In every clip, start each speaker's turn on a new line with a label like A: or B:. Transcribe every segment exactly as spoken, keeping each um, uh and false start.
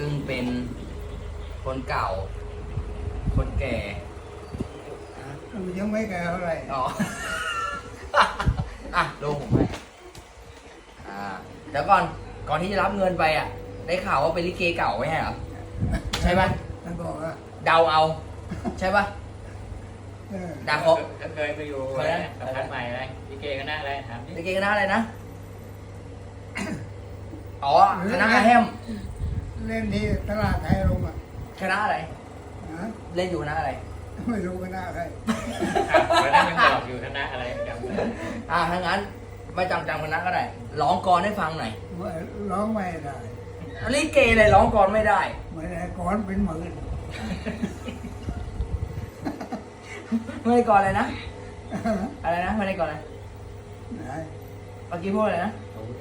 A: ซึ่งเป็นคนเก่า คนแก่
B: ยังไม่แก่เท่าไหร่
A: อ๋อ อ่ะลงผมให้อ่าเดี๋ยวก่อนก่อนที่จะรับเงินไปอ่ะ ได้ข่าวว่าเป็นลิเกเก่าไม่ใช่เหรอ ใช่ไหม
B: มันบอกว่า
A: เดาเอา ใช่ปะ
B: เออ
A: ดาเขา
C: เคยไปอยู่อะไรสัมภาษณ์ใหม่อะไรลิเกคณะอะไรถามดิ
A: ลิเกคณะอะไรนะ อ๋อคณะอาแฮม
B: เล่นที่ตลาดไทยลงอ่ะ
A: คณะอะไร
B: ฮะ
A: เล่นอยู่คณะอะไร
B: ไม่รู้กันหน้าใคร
C: วันนั้นยังบอกอยู่คณะอะไรจำไม่ได้
A: อ่าถ้างั้นไม่จำจำคณะก็ได้ร้องกลอนให้ฟังหน่อย
B: ว่าร้องไม่ได้
A: ลิเกเลยร้องกลอนไม่ได้
B: ไม่ได้ก่อนเป็นหมื่น
A: ไม่ได้กลอนเลยนะ อะไรนะไม่ได้กลอนอะไร
B: ไหน
A: เมื่อกี้พูดอะไรนะ
C: ผมก็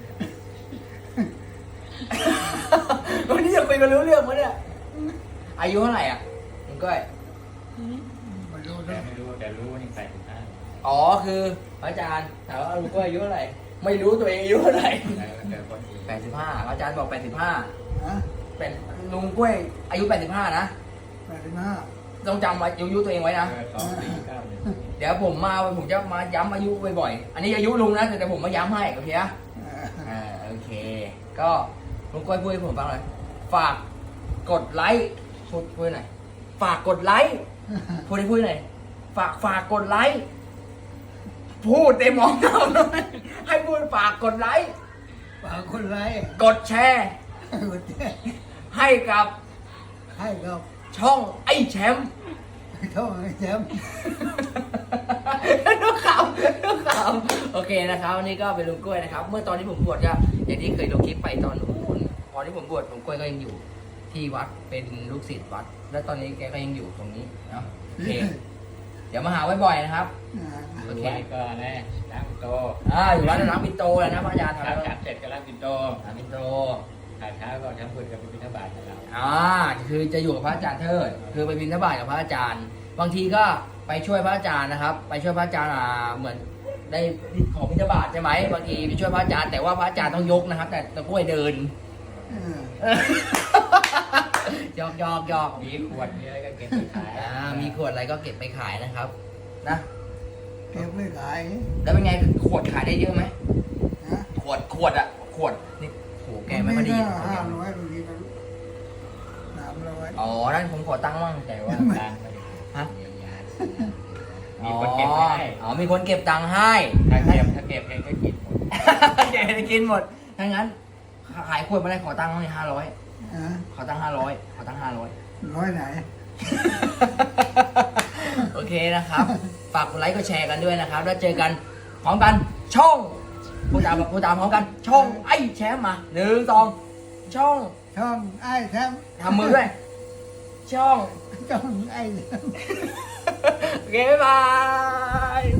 A: วันนี้ยังคุยกันรู้เรื่องมั้ยเนี่ย อายุเท่าไหร่อ่ะคุณก้อย
B: ไม่รู้
C: แต่
B: นะ
C: ไม่รู้แต่รู้ว่านี่ใส่ถุงผ้า
A: อ๋อคือพระอาจารย์ถามว่าลุงก้อยอายุเท่าไหร่ ไม่รู้ตัวเองอายุเท่าไหร่
C: แล้วเจอคนอีก
A: แปดสิบห้าอาจารย์บอกแปดสิบห้า
B: ฮะ
A: เป็นลุงกล้วยอายุแปดสิบห้านะ
B: แปดสิบห้า
A: ต้องจำอายุตัวเองไว้นะ
C: เออสองสี่เก้าหนึ่ง
A: เดี๋ยวผมมาผมจะมาย้ำอายุบ่อยๆ อันนี้อายุลุงนะแต่แต่ผมมาย้ำให้โอเคนะ
B: เออ
A: อ่าโอเค ก็ลุงก้อยพูดให้ผมฟังเลยฝากกดไลค์พูดพูดหน่อยฝากกดไลค์พูดให้พูดหน่อยฝากฝากกดไลค์พูดเต็มมองเราเลยให้พูดฝากกดไลค์
B: ฝากคนไร้
A: กดแชร์
B: กดแจ้ง
A: ให้กับ
B: ให้กับ
A: ช่องไอ้แชมป์
B: ท่องให้แชมป์
A: ลูกข่าวลูกข่าวโอเคนะครับวันนี้ก็เป็นลุงกล้วยนะครับ เมื่อตอนที่ผมบวชก็อย่างที่เคยลงคลิปไปตอนนู้นตอนที่ผมบวชลุงกล้วยก็ยังอยู่ที่วัดเป็นลูกศิษย์วัด และตอนนี้แกก็ยังอยู่ตรงนี้เนาะโอเค เดี๋ยวมาหาบ่อยๆนะครับ
B: อ่า
A: โอเค
C: ไว้ก็นะล้างปินโต
A: อ่าอยู่วัดน้ำปินโตแล้วนะพระอาจารย์
C: ทำ
A: ทำแล้ว
C: จับเสร็จก็ล้างปินโต
A: น้ำปินโต
C: ถ่ายเช้าก็ทำบุญกับพิธบาตให้เรา
A: อ่าคือจะอยู่กับพระอาจารย์เทิดคือไปบิณฑบาตกับพระอาจารย์ บางทีก็ไปช่วยพระอาจารย์นะครับ ไปช่วยพระอาจารย์อ่าเหมือนได้ของบิณฑบาตใช่ไหมบางทีไปช่วยพระอาจารย์แต่ว่าพระอาจารย์ต้องยกนะครับ แต่ตะกล้วยเดิน
B: เออ
A: หยอกหยอกหยอก
C: มีขวดมีอะไรก็เก็บไปขาย
A: อ่ามีขวดอะไรก็เก็บไปขายนะครับนะ
B: เก็บไม่ขาย
A: แล้วเป็นไงขวดขายได้เยอะไหม
B: ฮะ
A: ขวดขวดอะขวดนี่โหแกไม่ค่อยได้ยิน
B: ห้าร้อยบางทีก็สามร้อย
A: อ๋อนั่นผมขอตั้งค์มั่ง
C: แต่ว่าการไม่ได้
A: ฮะ
C: มีคนเก็บไว้ให้
A: อ๋อมีคนเก็บตังค์ให้
C: ถ้าเก็บถ้าเก็บเองก็กินหมด
A: แกจะกินหมดถ้างั้นขายขวดมาได้ขอตังค์มั่งห้าร้อย
B: ฮะ
A: ขอตังค์ห้าร้อยขอตังค์ห้าร้อย
B: ร้อยไหน
A: โอเคนะครับ ฝากกดไลค์กดแชร์กันด้วยนะครับ แล้วเจอกันพร้อมกันช่องผู้ตามผู้ตามพร้อมกัน ช่องไอ้แชมป์มาหนึ่งสองช่อง
B: ช่องไอ้แชมป์
A: ทำมือด้วย ช่อง
B: ช่องไอ้แชมป์
A: โอเค บ๊ายบาย